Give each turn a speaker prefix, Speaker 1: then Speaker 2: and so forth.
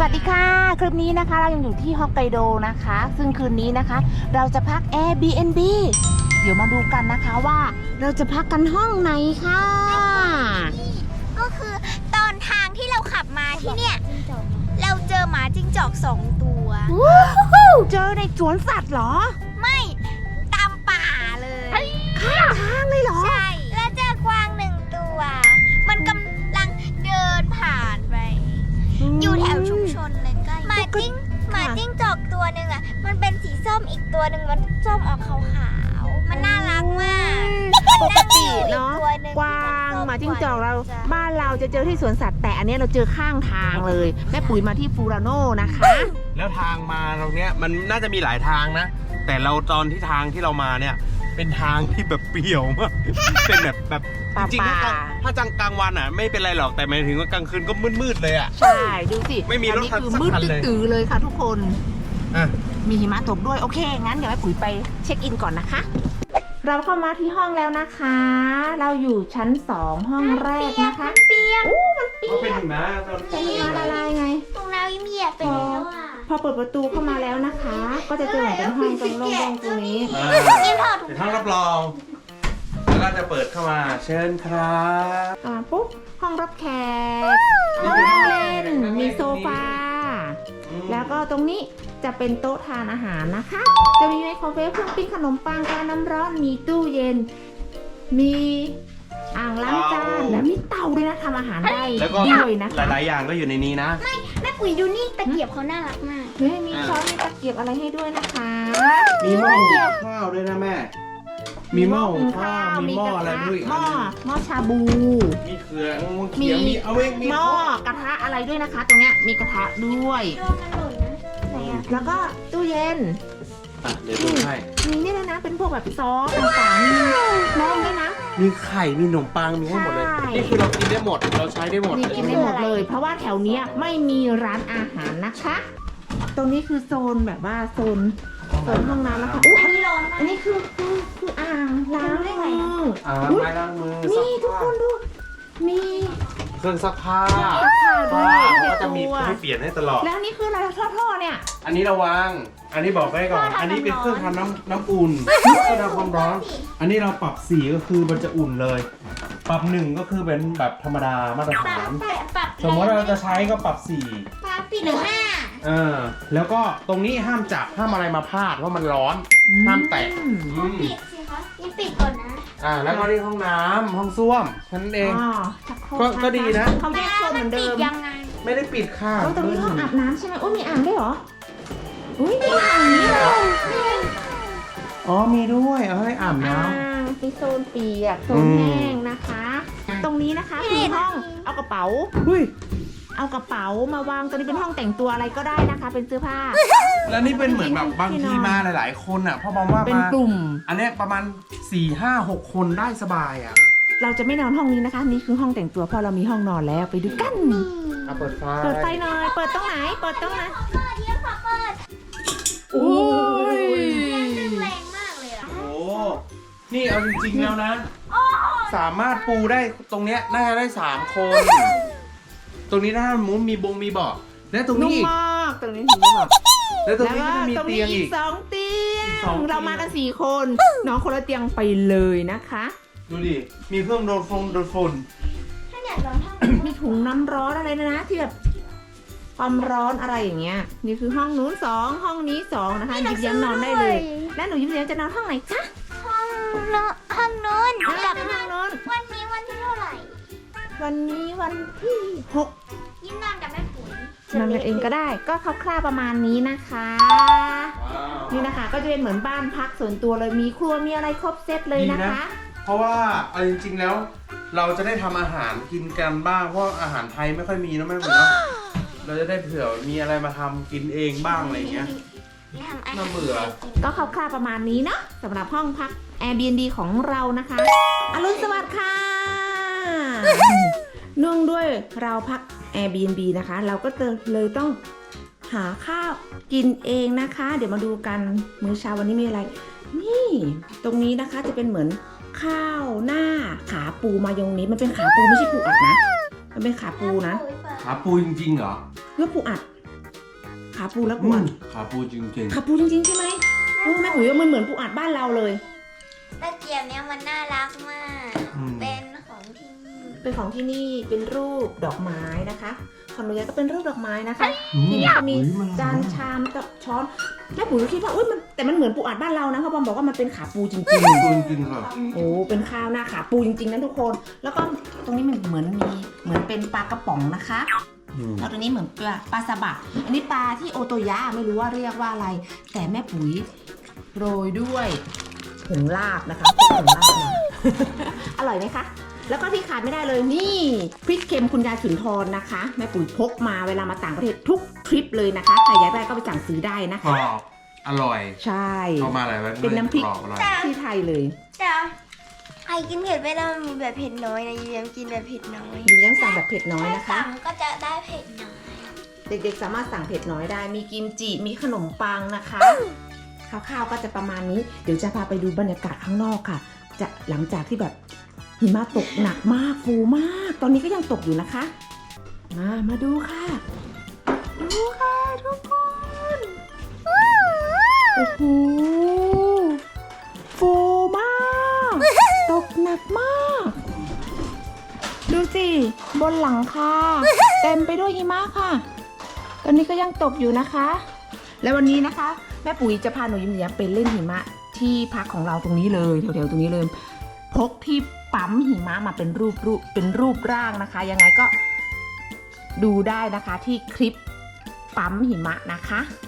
Speaker 1: วัสดีค่ะคลิปนี้นะคะเรายังอยู่ที่ฮอกไกโดนะคะซึ่งคืนนี้นะคะเราจะพัก Airbnb เดี๋ยวมาดูกันนะคะว่าเราจะพักกันห้องไหนค่ะ
Speaker 2: ก็คือตอนทางที่เราขับมาที่เนี่ยเราเจอหมาจิ้งจอก2 ตัว
Speaker 1: เจอในสวนสัตว์เหรอ
Speaker 2: ไม่ตามป่าเลย
Speaker 1: ข้างทางเลยเหรอ
Speaker 2: ใช่แล้วเจอกวาง1 ตัว มันกำลังเดินผ่านไปอยู่แถวชุมชนเลยใกล้หมาจิ้งจอกตัวหนึ่งอ่ะมันเป็นสีส้มอีกตัวหนึ่งมันส้มออกขาวๆมันน่ารักมาก
Speaker 1: ปกติเนาะกวางหมาจิ้งจอกเราบ้านเราจะเจอที่สวนสัตว์แต่อันนี้เราเจอข้างทางเลยแม่ปุ๋ยมาที่ฟูราโน่นะคะ
Speaker 3: แล้วทางมาตรงเนี้ยมันน่าจะมีหลายทางนะ แต่เราตอนที่ทางที่เรามาเนี่ยเป็นทางที่แบบเปรี่ยวมาก เป็นแบบจริงๆถ้ากลางวันอ่ะไม่เป็นไรหรอกแต่หมายถึงว่ากลางคืนก็มืดๆเลยอ่ะ
Speaker 1: ใช่ดูสิ
Speaker 3: ไม่มีรถ
Speaker 1: อันนี้คือ
Speaker 3: สัก
Speaker 1: มืด
Speaker 3: คันเลย
Speaker 1: ตื้อๆเลยค่ะทุกคน
Speaker 3: อ่ะ
Speaker 1: มีหิมะตกด้วยโอเคงั้นเดี๋ยวแม่ปุ๋ยไปเช็คอินก่อนนะคะ เราเข้ามาที่ห้องแล้วนะคะ เราอยู่ชั้น2ห้องแรกนะคะ
Speaker 2: เปียก
Speaker 1: อู้มันเปี
Speaker 3: เขาเป็น
Speaker 1: ยก
Speaker 3: หิมะตอน
Speaker 1: เป็นหิมะละลายไง
Speaker 2: ตรงน้ำเหยียบไปแล้วอ่ะ
Speaker 1: พอเปิดประตูเข้ามาแล้วนะคะ ก็จะเจอเหมือนเป็นห้องตรงโล่งๆตรงนี้
Speaker 2: นี่ถอดถุง
Speaker 3: เป็นห้องรับรองแล้วก็จะเปิดเข้ามาเชิญครับ
Speaker 1: ปุ๊บห้องรับแขกห้องนั่งเล่นมีโซฟา แล้วก็ตรงนี้จะเป็นโต๊ะทานอาหารนะคะ จะมีไมโครเวฟเครื่องปิ้งขนมปังการน้ำร้อนมีตู้เย็น มีอ่างล้างจานและมีเตาด้วยนะทำอาหารได้
Speaker 3: แล้วก็
Speaker 1: ด้วยนะ
Speaker 3: ห
Speaker 1: คะ
Speaker 3: ลายๆอย่างก็อยู่ในนี้นะ
Speaker 2: แม่ปุ๋ยดูนี่ตะเกียบเขาน่ารักมาก
Speaker 1: เฮ้ยมีช้อนมีตะเกียบอะไรให้ด้วยนะคะ
Speaker 3: มีหม้อหุงข้าวด้วยนะแม่ มีหม้อหุงข้าวมีหม้ออะไรด้วย
Speaker 1: หม้อชาบู
Speaker 3: มีเขือเขียวมีเอาเองมี
Speaker 1: หม้อกระทะอะไรด้วยนะคะ ตรงเนี้ยมีกระทะด้วย
Speaker 2: โดนมันหล่นนะไหนอ่ะ
Speaker 1: แล้วก็ตู้เย็น
Speaker 3: อ่ะเดี๋ยวดูให้
Speaker 1: มีนี่เลยนะเป็นพวกแบบซอสต่างๆมีนมด้วยนะ
Speaker 3: มีไข่มีขนมปังมีให้หมดเลย
Speaker 1: ใช่
Speaker 3: นี่คือเรากินได้หมดเราใช้ได้หมด
Speaker 1: นี่กินได้หมดเลย เพราะว่าแถวเนี้ยไม่มีร้านอาหารนะคะ ตรงนี้คือโซนแบบว่าโซนห้องน้ำนะคะอุ๊ย
Speaker 2: อันนี้ร้อน
Speaker 1: อันนี้คืออ่างล้างมือ
Speaker 3: อ่า
Speaker 1: อุ๊ย
Speaker 3: ไม้ล้างมือ
Speaker 1: นี่ทุกคนดูมี
Speaker 3: เครื่องซักผ้า
Speaker 1: ซักผ้าด้วย
Speaker 3: เขาก็จะมี
Speaker 1: ตัว
Speaker 3: ให้เปลี่ยนให้ตลอด
Speaker 1: แล้วนี่คืออะไรท่อๆเนี่ย
Speaker 3: อันนี้ระวังอันนี้บอกไว้ก่อน อันนี้เป็นเครื่องทำน้ำอุ่นเครื่องทำความร้อน อันนี้เราปรับสีก็คือมันจะอุ่นเลย ปรับ1ก็คือเป็นแบบธรรมดามาตรฐาน
Speaker 2: ปรับ
Speaker 3: สมมติเราจะใช้ก็ปรับ4
Speaker 2: ปรับปี15
Speaker 3: แล้วก็ตรงนี้ห้ามจับห้ามอะไรมาพาดเพราะมันร้อน ห้ามแตะ
Speaker 2: ปิดสิคะนี่ปิดก่อนนะ
Speaker 3: แล้วก็ที่ห้องน้ำห้องส้วมแค่นั้นเอง
Speaker 1: อ๋อชักโคร
Speaker 3: ก็ดีนะ
Speaker 1: เขาแยกโซนเหมือนเดิ
Speaker 2: ปิ
Speaker 1: ม
Speaker 2: ดยังไง
Speaker 3: ไม่ได้ปิดค่ะ
Speaker 1: ตรงนี้ห้องอาบน้ำใช่ไหมอุ้ยมีอ่างด้วยเหรออุ้ยมีอ่างนี้เลย
Speaker 3: อ๋อมีด้วยเอาให้อาบน้
Speaker 1: อ่างมีโซนเปียกโซนแห้งนะคะ ตรงนี้นะคะคือห้องเอากระเป๋า
Speaker 3: ำหุ้ย
Speaker 1: เอากระเป๋ามาวางตรงนี้เป็นห้องแต่งตัวอะไรก็ได้นะคะ เป็นเสื้อผ้า
Speaker 3: แล้วนี่เป็นเหมือนแบบบางทีมาหลาย ๆ คนอ่ะเพราะมองว่า
Speaker 1: เป็น
Speaker 3: มาก
Speaker 1: ลุ่ม
Speaker 3: อันเนี้ยประมาณ 4 5 6 คนได้สบายอ่ะ
Speaker 1: เราจะไม่นอนห้องนี้นะคะ นี่คือห้องแต่งตัวเพราะเรามีห้องนอนแล้วไปดูกัน
Speaker 3: เปิดไฟ
Speaker 1: เปิดไฟหน่อย เปิดตรงไหน เปิดตรงไหน
Speaker 2: เปิดเยี่ยมค่ะเปิด
Speaker 1: โอ้ย
Speaker 2: แรงมากเลยอ่ะ
Speaker 3: โอ้นี่เอาจริง ๆ แล้วนะ สามารถปูได้ตรงเนี้ยน่าจะได้ 3 คน ตรงนี้ถ้ามุ้งมีมีเบาะและตรง
Speaker 1: นุ่
Speaker 3: นี้
Speaker 1: ม
Speaker 3: อีก
Speaker 1: มากตรงนี้ถึงได้แบบ
Speaker 3: แล้วตรง
Speaker 1: แล้ว
Speaker 3: นี้
Speaker 1: ก็
Speaker 3: ก็จะมี
Speaker 1: ตรง
Speaker 3: เตี
Speaker 1: นี้
Speaker 3: ยง
Speaker 1: อี
Speaker 3: อี
Speaker 1: ก
Speaker 3: ก
Speaker 1: 2 เตีย
Speaker 3: อีกสอง
Speaker 1: ง
Speaker 3: เตียง
Speaker 1: เรามากัน4 คนน้องคนละเตียงไปเลยนะคะ
Speaker 3: ดูดิ มีเครื่องโดนฝุ่น
Speaker 2: ถ้าอยากลองท่อง
Speaker 1: มีถุงน้ำร้อนอะไรนะที่แบบความร้อนอะไรอย่างเงี้ยนี่คือห้องนู้น2ห้องนี้2นะคะหยิบยันนอนได้เลย แล้วหนูหยิบยันจะนอนห้องไหนคะ
Speaker 2: ห้องนู้น
Speaker 1: อ่า
Speaker 2: กับ
Speaker 1: ห้องนู้น
Speaker 2: วันนี้วันที่เท่าไหร่
Speaker 1: วันนี้วันที่6
Speaker 2: ยิ้มนอนกับแม่ปุ๋ย
Speaker 1: นอนกันเองก็ได้ก็คร่าวๆประมาณนี้นะคะ
Speaker 3: ๆ
Speaker 1: นี่นะคะก็จะเป็นเหมือนบ้านพักส่วนตัวเลยมีครัวมีอะไรครบเซตเลยนะคะ
Speaker 3: เพราะว่าเอาจริง ๆ แล้ว เราจะได้ทำอาหารกินกันบ้างเพราะอาหารไทยไม่ค่อยมีนะแม่ผมเนาะเราจะได้เผื่อมีอะไรมาทำกินเองบ้างอะไรอย่างเงี้ย น่าเบื่อ
Speaker 1: ก็คร่าวๆประมาณนี้เนาะสำหรับห้องพัก Airbnb ของเรานะคะอรุณสวัสดิ์ค่ะ เนื่องด้วยเราพัก Airbnb นะคะ เราก็เลยต้องหาข้าวกินเองนะคะ เดี๋ยวมาดูกันมื้อเช้าวันนี้มีอะไร นี่ตรงนี้นะคะจะเป็นเหมือนข้าวหน้าขาปูมายองเนสมันเป็นขาปูไม่ใช่ปูอัดนะ มันเป็นขาปูนะ
Speaker 3: หาปูจริงๆเหรอ
Speaker 1: เลือกปูอัดขาปูแล้วปูอัด
Speaker 3: ขาปูจริง
Speaker 1: ขาปูจริงๆใช่ไหมแม่ปุ๋ยว่ามันเหมือนปูอัดบ้านเราเลย
Speaker 2: ตะเกียบเนี้ยมันน่ารักมาก เป็นของที่นี่
Speaker 1: เป็นของที่นี่เป็นรูปดอกไม้นะคะของหนูยายก็เป็นรูปดอกไม้นะคะ
Speaker 3: อืม
Speaker 1: ที่นี่จะมี
Speaker 3: อุ๊ยมัน
Speaker 1: จานชามช้อนแม่ปุ๋ยก็คิดว่ามันแต่มันเหมือนปูอัดบ้านเรานะเขาบอกว่ามันเป็นขาปูจริง
Speaker 3: ปูจริงค่ะ
Speaker 1: ๆโอ้เป็นข้าวหน้าขาปูจริงๆนะทุกคน แล้วก็ตรงนี้มันเหมือนเป็นปลากระป๋องนะคะแล้วตัวนี้เหมือนปลาสบะอันนี้ปลาที่โอโตยะไม่รู้ว่าเรียกว่าอะไร แต่แม่ปุ๋ยโรยด้วยผงลาบนะคะผงลาบมา อร่อยไหมคะ แล้วก็ที่ขาดไม่ได้เลยนี่พริกเค็มคุณยายสุนทรนะคะแม่ปุ๋ยพกมาเวลามาต่างประเทศทุกทริปเลยนะคะใครอยากได้ก็ไปสั่งซื้อได้นะ
Speaker 3: กร
Speaker 1: คะ
Speaker 3: อบอร่อย
Speaker 1: ใช่
Speaker 3: เข้ามาอะไรวะ
Speaker 1: เป็นน้ำพริก
Speaker 3: กรอบอร่อย
Speaker 1: ที่ไทยเลย
Speaker 2: แต่ใครกินเผ็ดไม่ได้มันมีแบบเผ็ดน้อยนะยูยังกินแบบเผ็ดน้อย
Speaker 1: หนูยังสั่งแบบเผ็ดน้อยนะคะ
Speaker 2: สั่งก็จะได้เผ็ดน้อย
Speaker 1: เด็กๆสามารถสั่งเผ็ดน้อยได้ มีกิมจิ มีขนมปังนะคะคร่าวๆก็จะประมาณนี้ เดี๋ยวจะพาไปดูบรรยากาศข้างนอกค่ะ จะหลังจากที่แบบหิมะตกหนักมากฟูมาก ตอนนี้ก็ยังตกอยู่นะคะ มาดูค่ะ ดูค่ะทุกคนโอ้โหฟูมาก ตกหนักมาก ดูสิบนหลังคาเต็มไปด้วยหิมะค่ะ ตอนนี้ก็ยังตกอยู่นะคะ แล้ววันนี้นะคะแม่ปุ๋ยจะพาหนูยิ้มแย้มไปเล่นหิมะที่พักของเราตรงนี้เลยแถวๆตรงนี้เลยพกที่ปั๊มหิมะมาเป็นรูปร่างนะคะ ยังไงก็ดูได้นะคะที่คลิปปั๊มหิมะนะคะ